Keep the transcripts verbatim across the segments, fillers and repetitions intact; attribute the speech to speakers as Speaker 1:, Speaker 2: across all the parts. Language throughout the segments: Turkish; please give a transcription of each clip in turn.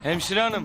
Speaker 1: Hemşire hanım.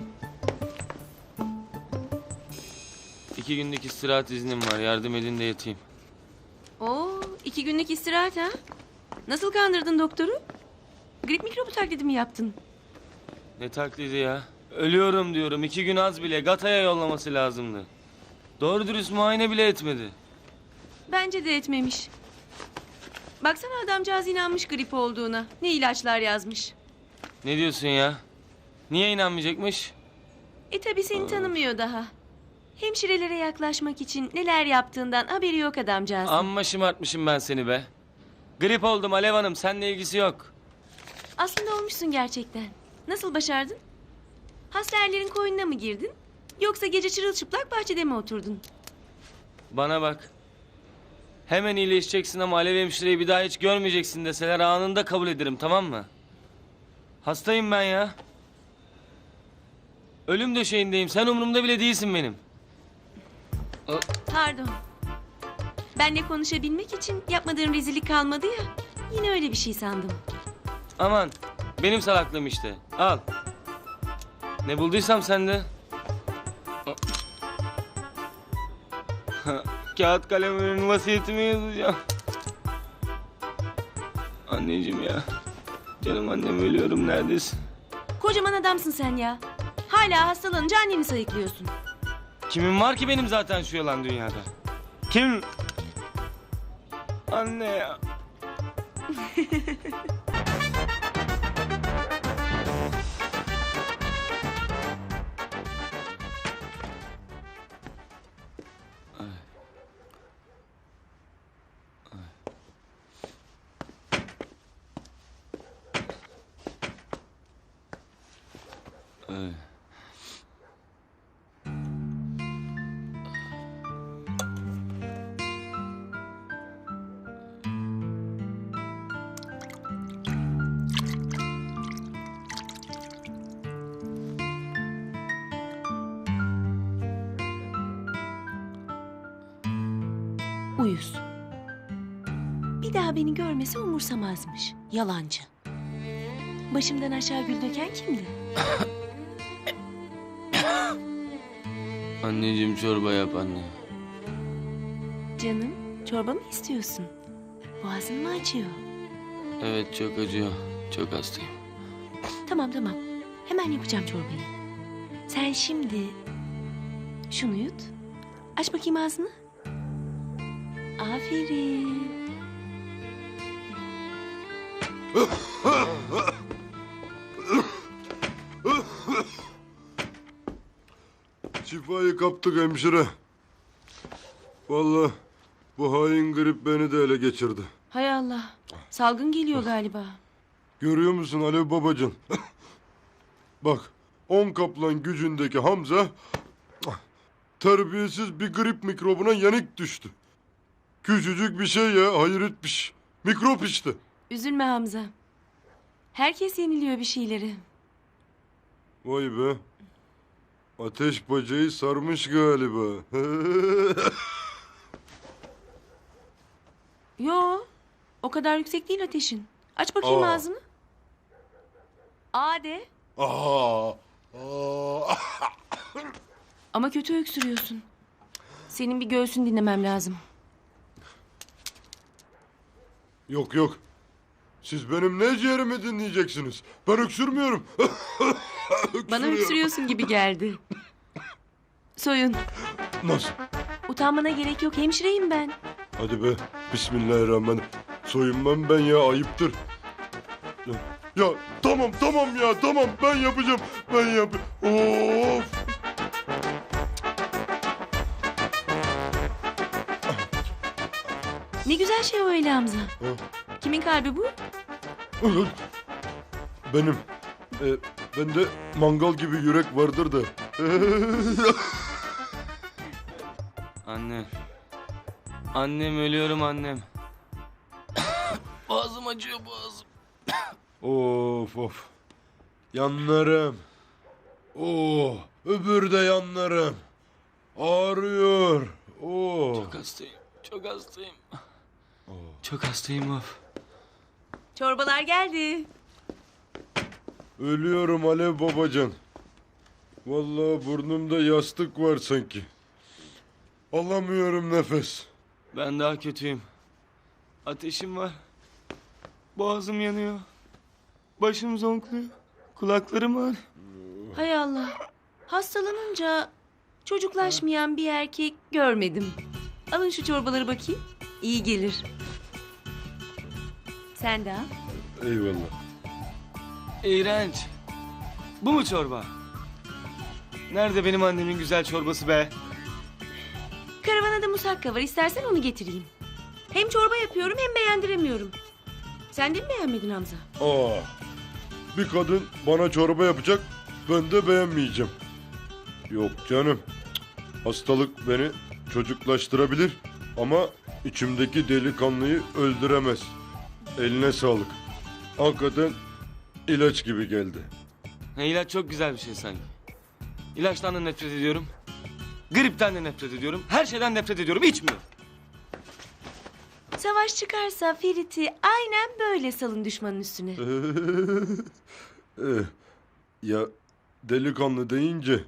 Speaker 1: İki günlük istirahat iznim var. Yardım edin de yatayım.
Speaker 2: Oo, iki günlük istirahat ha? Nasıl kandırdın doktoru? Grip mikrobu taklidi mi yaptın?
Speaker 1: Ne taklidi ya? Ölüyorum diyorum. İki gün az bile. Gata'ya yollaması lazımdı. Doğru dürüst muayene bile etmedi.
Speaker 2: Bence de etmemiş. Baksana adamcağız inanmış grip olduğuna. Ne ilaçlar yazmış.
Speaker 1: Ne diyorsun ya? Niye inanmayacakmış?
Speaker 2: E tabi seni tanımıyor daha. Hemşirelere yaklaşmak için neler yaptığından haberi yok adamcağızın.
Speaker 1: Amma şımartmışım ben seni be. Grip oldum Alev Hanım. Seninle ilgisi yok.
Speaker 2: Aslında olmuşsun gerçekten. Nasıl başardın? Hastanerin koynuna mı girdin? Yoksa gece çırılçıplak bahçede mi oturdun?
Speaker 1: Bana bak. Hemen iyileşeceksin ama Alev hemşireyi bir daha hiç görmeyeceksin deseler anında kabul ederim, tamam mı? Hastayım ben ya. Ölüm döşeğindeyim. Sen umurumda bile değilsin benim.
Speaker 2: Pardon. Benle konuşabilmek için yapmadığın rezillik kalmadı ya. Yine öyle bir şey sandım.
Speaker 1: Aman. Benim salaklığım işte. Al. Ne bulduysam sende. Kağıt kalem verin, vasiyetimi yazacağım. Anneciğim ya. Canım annem, ölüyorum, neredesin?
Speaker 2: Kocaman adamsın sen ya. Hala hastalanınca anneni sayıklıyorsun.
Speaker 1: Kimin var ki benim zaten şu yalan dünyada? Kim? Anne ya. Ay.
Speaker 2: Uyuz. Bir daha beni görmese umursamazmış. Yalancı. Başımdan aşağı gül döken kimdi?
Speaker 1: Anneciğim, çorba yap anne.
Speaker 2: Canım, çorba mı istiyorsun? Boğazın mı acıyor?
Speaker 1: Evet, çok acıyor. Çok hastayım.
Speaker 2: Tamam tamam. Hemen yapacağım çorbayı. Sen şimdi şunu yut. Aç bakayım ağzını. Aferin.
Speaker 3: Şifayı kaptık hemşire. Vallahi bu hain grip beni de ele geçirdi.
Speaker 2: Hay Allah. Salgın geliyor galiba.
Speaker 3: Görüyor musun Alev babacığım? Bak, on kaplan gücündeki Hamza terbiyesiz bir grip mikrobuna yenik düştü. Küçücük bir şey ya, hayret bir şey. Mikrop işte.
Speaker 2: Üzülme Hamza. Herkes yeniliyor bir şeyleri.
Speaker 3: Vay be. Ateş bacayı sarmış galiba.
Speaker 2: Yo. O kadar yüksek değil ateşin. Aç bakayım
Speaker 3: Aa.
Speaker 2: ağzını. Aa de.
Speaker 3: Aa, aa.
Speaker 2: Ama kötü öksürüyorsun. Senin bir göğsün dinlemem lazım.
Speaker 3: Yok yok. Siz benim ne ciğerimi dinleyeceksiniz? Ben öksürmüyorum.
Speaker 2: Bana öksürüyorsun gibi geldi. Soyun.
Speaker 3: Nasıl?
Speaker 2: Utanmana gerek yok. Hemşireyim ben.
Speaker 3: Hadi be. Bismillahirrahmanirrahim. Soyunmam ben ya, ayıptır. Ya, ya tamam tamam ya tamam, ben yapacağım. Ben yap. Of.
Speaker 2: Ne güzel şey o öyle Hamza.
Speaker 3: Ha,
Speaker 2: Kimin kalbi bu?
Speaker 3: benim. E, bende mangal gibi yürek vardır da.
Speaker 1: Anne. Annem, ölüyorum annem. Boğazım acıyor, boğazım.
Speaker 3: Of of. Yanlarım. Oh, öbür de yanlarım. Ağrıyor. Oh.
Speaker 1: Çok hastayım. Çok hastayım. Çok hastayım of.
Speaker 2: Çorbalar geldi.
Speaker 3: Ölüyorum Alev babacan. Vallahi burnumda yastık var sanki. Alamıyorum nefes.
Speaker 1: Ben daha kötüyüm. Ateşim var. Boğazım yanıyor. Başım zonkluyor. Kulaklarım var.
Speaker 2: Hay Allah. Hastalanınca çocuklaşmayan bir erkek görmedim. Alın şu çorbaları bakayım. İyi gelir. Sen de al.
Speaker 3: Eyvallah.
Speaker 1: İğrenç. Bu mu çorba? Nerede benim annemin güzel çorbası be?
Speaker 2: Karavana da musakka var. İstersen onu getireyim. Hem çorba yapıyorum hem beğendiremiyorum. Sen de mi beğenmedin Hamza?
Speaker 3: Aa, bir kadın bana çorba yapacak, ben de beğenmeyeceğim. Yok canım. Hastalık beni çocuklaştırabilir ama içimdeki delikanlıyı öldüremez. Eline sağlık. Hakikaten ilaç gibi geldi.
Speaker 1: Ha, ilaç çok güzel bir şey sanki. İlaçtan da nefret ediyorum. Gripten de nefret ediyorum. Her şeyden nefret ediyorum. İçmiyorum.
Speaker 2: Savaş çıkarsa Ferit'i aynen böyle salın düşmanın üstüne.
Speaker 3: Eh, ya delikanlı deyince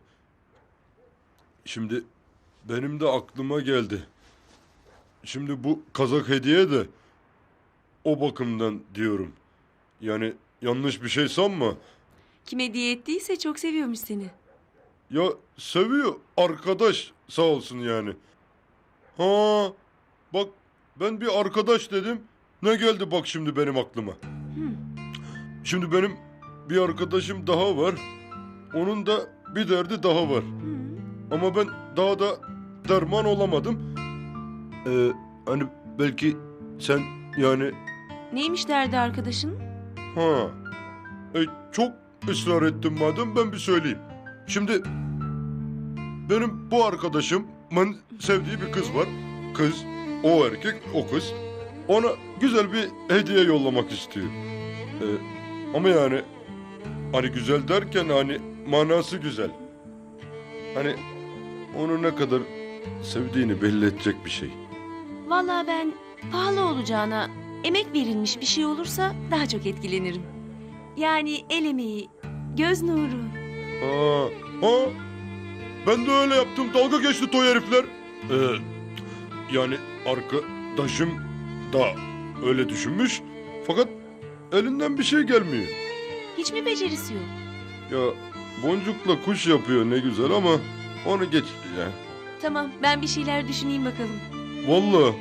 Speaker 3: şimdi benim de aklıma geldi. Şimdi bu kazak hediye de o bakımdan diyorum. Yani yanlış bir şey sanma.
Speaker 2: Kim hediye ettiyse çok seviyormuş seni.
Speaker 3: Ya seviyor arkadaş sağ olsun yani. Ha bak ben bir arkadaş dedim. Ne geldi bak şimdi benim aklıma. Şimdi benim bir arkadaşım daha var. Onun da bir derdi daha var. Ama ben daha da derman olamadım. Ee, hani belki sen yani
Speaker 2: Neymiş derdi arkadaşın?
Speaker 3: ha e, çok ısrar ettim madem ben bir söyleyeyim. Şimdi benim bu arkadaşımın sevdiği bir kız var. Kız, o erkek, o kız. Ona güzel bir hediye yollamak istiyor. Ee, ama yani hani güzel derken hani manası güzel. Hani onu ne kadar sevdiğini belli edecek bir şey.
Speaker 2: Vallahi ben pahalı olacağına emek verilmiş bir şey olursa daha çok etkilenirim. Yani el emeği, göz nuru.
Speaker 3: Ha, ha. Ben de öyle yaptım. Dalga geçti toy herifler. Ee, yani arkadaşım da öyle düşünmüş. Fakat elinden bir şey gelmiyor.
Speaker 2: Hiç mi becerisi yok?
Speaker 3: Ya boncukla kuş yapıyor ne güzel ama onu geç ya.
Speaker 2: Tamam ben bir şeyler düşüneyim bakalım.
Speaker 3: Vallahi.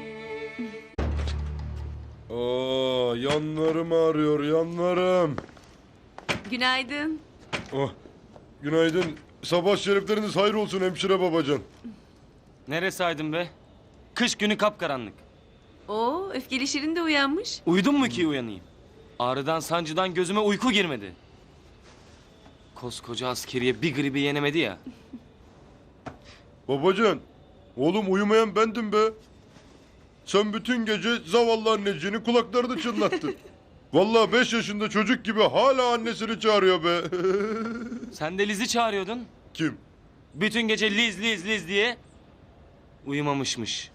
Speaker 3: Aa, yanlarım ağrıyor yanlarım.
Speaker 2: Günaydın.
Speaker 3: Oh, günaydın. Sabah şerifleriniz hayır olsun hemşire babacan.
Speaker 1: Neresi aydın be? Kış günü kapkaranlık.
Speaker 2: Oo öfkeli Şirin de uyanmış.
Speaker 1: Uyudun mu ki uyanayım? Ağrıdan sancıdan gözüme uyku girmedi. Koskoca askeriye bir gribi yenemedi ya.
Speaker 3: Babacan, oğlum uyumayan bendim be. Sen bütün gece zavallı anneciğinin kulaklarını çınlattın. Vallahi beş yaşında çocuk gibi hala annesini çağırıyor be.
Speaker 1: Sen de Liz'i çağırıyordun.
Speaker 3: Kim?
Speaker 1: Bütün gece Liz Liz Liz diye uyumamışmış.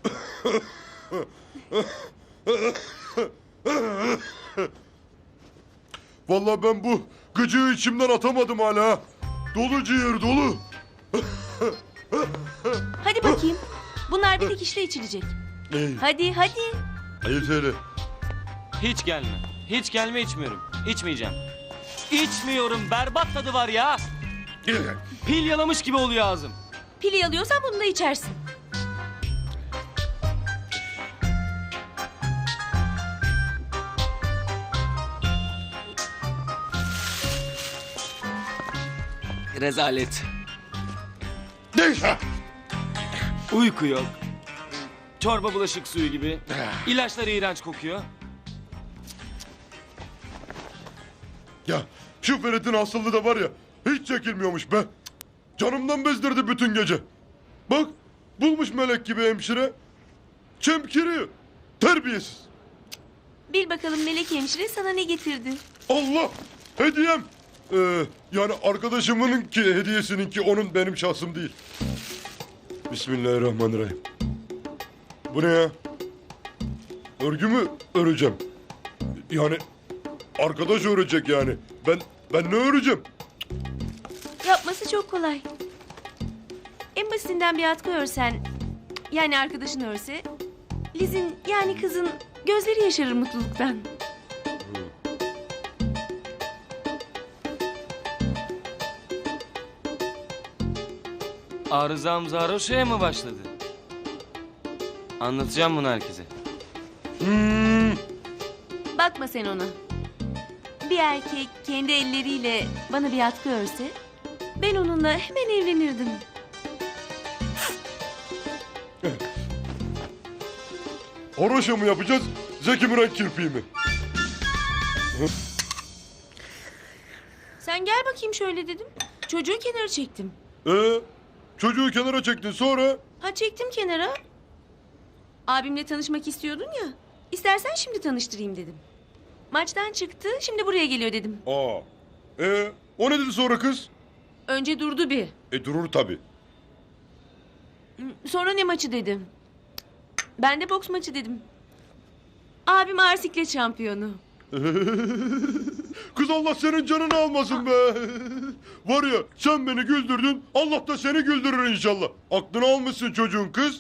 Speaker 3: Vallahi ben bu gıcığı içimden atamadım hala. Dolu ciğer dolu.
Speaker 2: Hadi bakayım. Bunlar bir dikişle içilecek.
Speaker 3: Ey,
Speaker 2: Hadi hadi.
Speaker 3: hayır söyle.
Speaker 1: Hiç gelme. Hiç gelme içmiyorum. İçmeyeceğim. İçmiyorum. Berbat tadı var ya. Pil yalamış gibi oluyor ağzım.
Speaker 2: Pili alıyorsan bunu da içersin.
Speaker 1: Rezalet.
Speaker 3: Değişme.
Speaker 1: Uyku yok. Çorba bulaşık suyu gibi. İlaçlar iğrenç kokuyor.
Speaker 3: Ya şu Ferit'in hastalığı da var ya hiç çekilmiyormuş be. Canımdan bezdirdi bütün gece. Bak bulmuş melek gibi hemşire. Çemkiriyor. Terbiyesiz.
Speaker 2: Bil bakalım Melek hemşire sana ne getirdi?
Speaker 3: Allah hediyem. Ee, yani arkadaşımın ki hediyesinin ki onun benim şahsım değil. Bismillahirrahmanirrahim. Bu ne ya? Örgü mü öreceğim? Yani arkadaş örecek yani. Ben ben ne öreceğim?
Speaker 2: Yapması çok kolay. En basitinden bir atkı örsen, yani arkadaşın örse, Liz'in yani kızın gözleri yaşarır mutluluktan.
Speaker 1: Arızam Zaroşa'ya mı başladı? Anlatacağım bunu herkese.
Speaker 3: Hmm,
Speaker 2: Bakma sen ona. Bir erkek kendi elleriyle bana bir atkı örse, ben onunla hemen evlenirdim.
Speaker 3: Haroşa mı yapacağız? Zeki Müren kirpiği mi?
Speaker 2: Sen gel bakayım şöyle dedim. Çocuğu kenara çektim.
Speaker 3: Ee, çocuğu kenara çektin sonra?
Speaker 2: Ha çektim kenara. Abimle tanışmak istiyordun ya. İstersen şimdi tanıştırayım dedim. Maçtan çıktı, şimdi buraya geliyor dedim.
Speaker 3: Aa. Ee, o ne dedi sonra kız?
Speaker 2: Önce durdu bir.
Speaker 3: E durur tabii.
Speaker 2: Sonra ne maçı dedim. Ben de boks maçı dedim. Abim ağır siklet şampiyonu.
Speaker 3: Kız Allah senin canını almasın be. Var ya sen beni güldürdün, Allah da seni güldürür inşallah. Aklını almışsın çocuğun kız.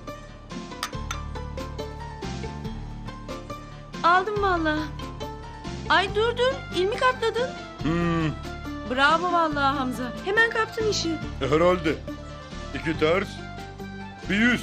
Speaker 2: Aldım vallahi. Ay dur dur, ilmik atladın.
Speaker 3: Hmm,
Speaker 2: Bravo vallahi Hamza. Hemen kaptın işi.
Speaker 3: herhalde. İki ters, bir yüz.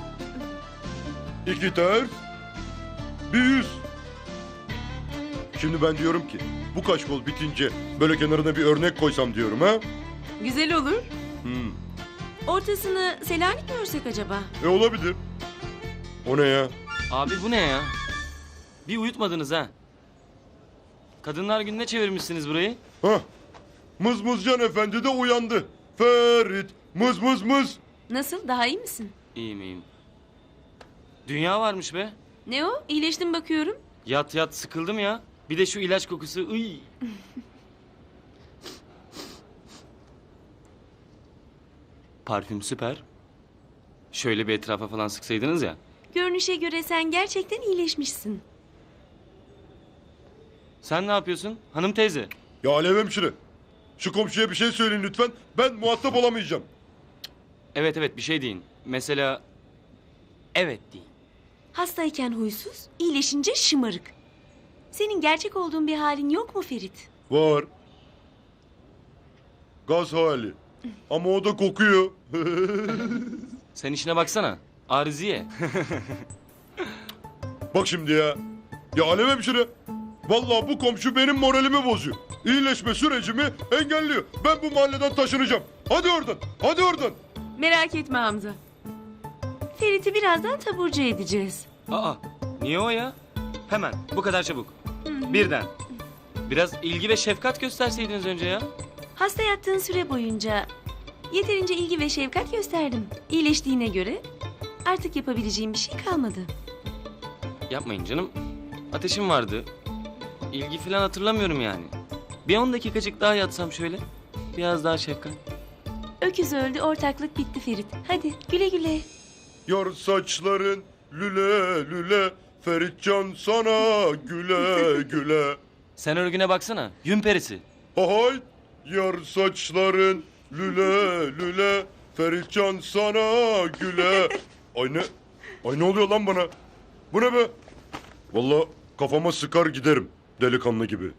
Speaker 3: İki ters, bir yüz. Şimdi ben diyorum ki bu kaç kol bitince böyle kenarına bir örnek koysam diyorum ha.
Speaker 2: Güzel olur.
Speaker 3: Hmm.
Speaker 2: Ortasını Selanik mi örsek acaba?
Speaker 3: E olabilir. O ne ya?
Speaker 1: Abi bu ne ya? Bir uyutmadınız ha. Kadınlar Günü'ne çevirmişsiniz burayı.
Speaker 3: Hah. Mızmızcan Efendi de uyandı. Ferit, mız mız mız.
Speaker 2: Nasıl, daha iyi misin?
Speaker 1: İyiyim iyiyim. Dünya varmış be.
Speaker 2: Ne o? İyileştim bakıyorum.
Speaker 1: Yat yat sıkıldım ya. Bir de şu ilaç kokusu. Iy. Parfüm süper. Şöyle bir etrafa falan sıksaydınız ya.
Speaker 2: Görünüşe göre sen gerçekten iyileşmişsin.
Speaker 1: Sen ne yapıyorsun? Hanım teyze.
Speaker 3: Ya Alev hemşire. Şu komşuya bir şey söyleyin lütfen. Ben muhatap olamayacağım.
Speaker 1: Evet evet bir şey deyin. Mesela evet deyin.
Speaker 2: Hastayken huysuz, iyileşince şımarık. Senin gerçek olduğun bir halin yok mu Ferit?
Speaker 3: Var. Gaz hali. Ama o da kokuyor.
Speaker 1: Sen işine baksana. Arıziye.
Speaker 3: Bak şimdi ya. Ya Alev hemşire. Vallahi bu komşu benim moralimi bozuyor. İyileşme sürecimi engelliyor. Ben bu mahalleden taşınacağım. Hadi oradan. Hadi oradan.
Speaker 2: Merak etme Hamza. Ferit'i birazdan taburcu edeceğiz.
Speaker 1: Aa niye o ya? Hemen bu kadar çabuk. Birden. Biraz ilgi ve şefkat gösterseydiniz önce ya.
Speaker 2: Hasta yattığın süre boyunca yeterince ilgi ve şefkat gösterdim. İyileştiğine göre artık yapabileceğim bir şey kalmadı.
Speaker 1: Yapmayın canım. Ateşim vardı. İlgi falan hatırlamıyorum yani. Bir on dakikacık daha yatsam şöyle. Biraz daha şefkat.
Speaker 2: Öküz öldü, ortaklık bitti Ferit. Hadi güle güle.
Speaker 3: Yar saçların lüle lüle. Feritcan sana güle güle.
Speaker 1: Sen örgüne baksana. Yün perisi.
Speaker 3: Hay yar saçların lüle lüle. Feritcan sana güle. Ay ne? Ay ne oluyor lan bana? Bu ne be? Vallahi kafama sıkar giderim delikanlı gibi.